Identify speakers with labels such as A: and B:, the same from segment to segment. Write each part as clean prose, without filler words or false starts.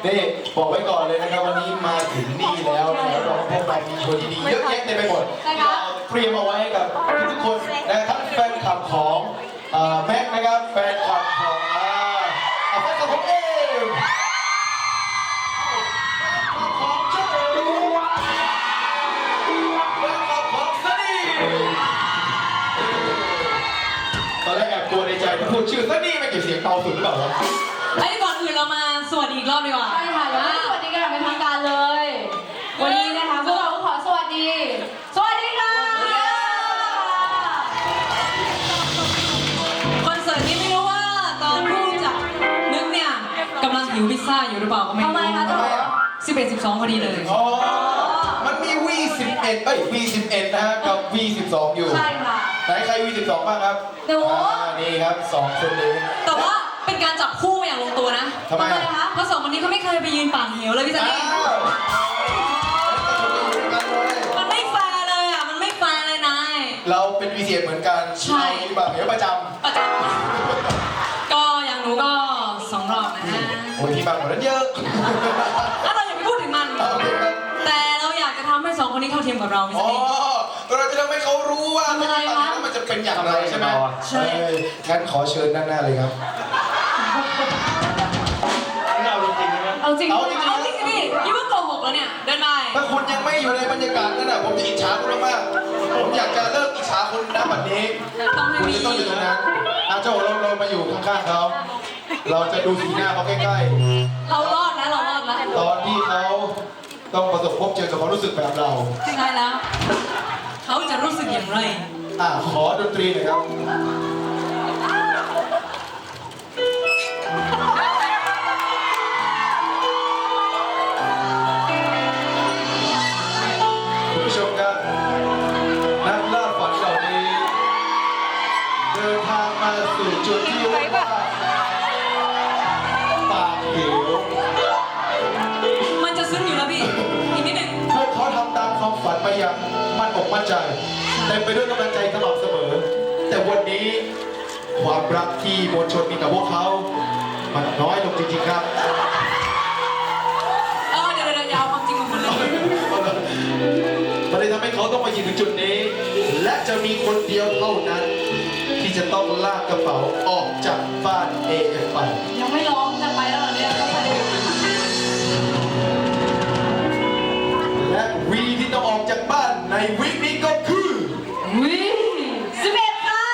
A: นี่บอกไว้ก่อนเลยนะครับวันนี้มาถึงนี่แล้วนะครับเราพวกเรามีโชว์ดีๆเยอะแยะเต็มไปหมดเราเตรียมเอาไว้ให้กับทุกคนนะครับแฟนคลับของแม็กนะครับแฟนคลับของแฟนคลับของเอ็มของเจ้าแฟนคลับของซันนี่ตอนแรกแอบกลัวในใจที่พูดชื่อซันนี่ไม่เก็บเสียงเบาสุดหรือเปล่าวะ
B: ไอ้ก่อนอื่นเรามาสวัสดีอีกรอบดีกว่า
C: ใช่ค่ะแล้วสวัสดีกันอย่างเป็นทางการเลยวันนี้นะคะพวกเราขอสวัสดี สวัสดีค่ะ
B: คอนเสิร์ตนี้ไม่รู้ว่าตอนผู้จัดนึกเนี่ยกำลังหิวพิซซ่าอยู่หรือเปล่าก็ไม่รู้
C: ทำไมคะจ๊ะ
B: 11-12พอดีเลย
A: อ๋อมันมี V11 V11 นะฮะกับ V12 อยู่
C: ใช่ค่ะ
A: ไหนใคร V12 บ้างครับ
C: หนู
A: นี่ครับ2คนนี้
B: แต่ว่าเป็นการจับคู่อย่างลงตัวนะ
A: ทำไม
C: คะ
B: เพราะสองคนนี้เขาไม่เคยไปยืนปากเหวเลยพี่ซันนี่มันไม่แฟร์เลยอ่ะมันไม่แฟร์เลยนาย
A: เราเป็น V11 เหมือนกันใช่ปากเหวประจ
B: ำก็อย่างหนูก็2 รอบนะฮะ
A: โอ้ยที่บางกว่านั้นเยอะ
B: เราอย่าไปพูดถึงมันแต่เราอยากจะทำให้2 คนนี้เข้าเทียมกับเราพี่ซันนี่
A: เราจะทำให้เขารู้ว่าถ้าปากเหวมันจะเป็นอย่างไรใช่ไหมใช่งั้นขอเชิญด้านหน้าเลยครับ
C: เอาจริง
B: เอาจริงพี่ยิ่งว่าโกหกแล้วเนี่ยเดินไป
A: ถ้าคุณยังไม่อยู่ในบรรยากาศนั้นน่ะผมจะอิจฉาคุณมากผมอยากจะเลิกอิจฉาคุณนะวันนี้คุณจะต้องอยู่ตรงนั้นเจ้าเรามาอยู่ข้างๆเขาเราจะดูสีหน้าเขาใกล้
B: ๆเรารอดแล้ว
A: ตอนที่เขาต้องประสบพบเจอกับความรู้สึกแบบเรา
B: ใช่แล้วเขาจะรู้สึกอย่างไร
A: ขอดนตรีหน่อยครับคุณผู้ชมครับนักล่าฝันเหล่านี้เดินทางมาสู่จุดที่เรียกว่าปากเหว
B: มันจะซึ้งอยู่แล้วพี่อีกนิดหนึ่ง
A: พวกเขาทำตามความฝันมาอย่างมั่นอกมั่นใจเต็มไปด้วยกำลังใจสม่ำเสมอแต่วันนี้ความรักที่มวลชนมีต่อพวกเขามันน้อยลงจริงๆครับ
B: เดี๋ยวยาวความจริงมาหมดเลย
A: มันเลยทำให้เขาต้องมายืนถึงจุดนี้และจะมีคนเดียวเท่านั้นที่จะต้องลากกระเป๋าออกจากบ้านAF ไป
C: ยังไม่ร้องจะไปแล้วเหรอเนี่ยต้องไป
A: และวีที่ต้องออกจากบ้านในวีคนี้ก็คือ
C: 11ค่ะ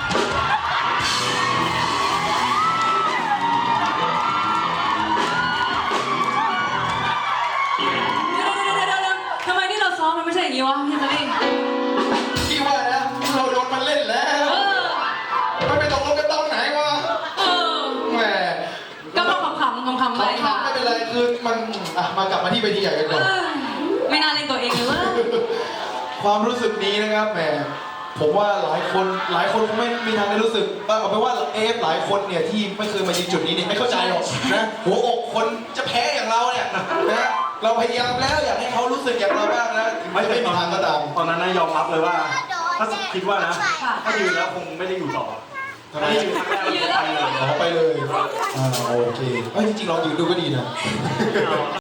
B: ทำไมที่เราซ้อมมันไม่ใช่อย่างนี้วะพี่ซันนี่
A: พี่ว่านะเราโดนมันเล่นแล้วมันไปตกลงกันตอนไหนวะแหม
B: ก็ต้องขำๆไป
A: ไม่เป็นไรคือมันมากลับมาที่เวทีใหญ่กันก่อน
B: ไม่น่าเล่นตัวเองเลยว่า
A: ความรู้สึกนี้นะครับแหมผมว่าหลายคนคงไม่มีทางได้รู้สึกเอาไปว่าหลายคนเนี่ยที่ไม่เคยมายืนจุดนี้เนี่ยไม่เข้าใจหรอกนะหัวอกคนจะแพ้อย่างเราเนี่ยนะเราพยายามแล้วอยากให้เขารู้สึกอย่างเราบ้างนะไม่มีทางก็ตาม
D: ตอนนั้นนะยอมรับเลยว่าถ้าคิดว่านะถ้ายืนแล้วคงไม่ได้อยู่ต่อถ้ายืนครั้งแรกแล้วไปเลย
A: ไปเลยโอเคจริงๆลองยืนดูก็ดีนะ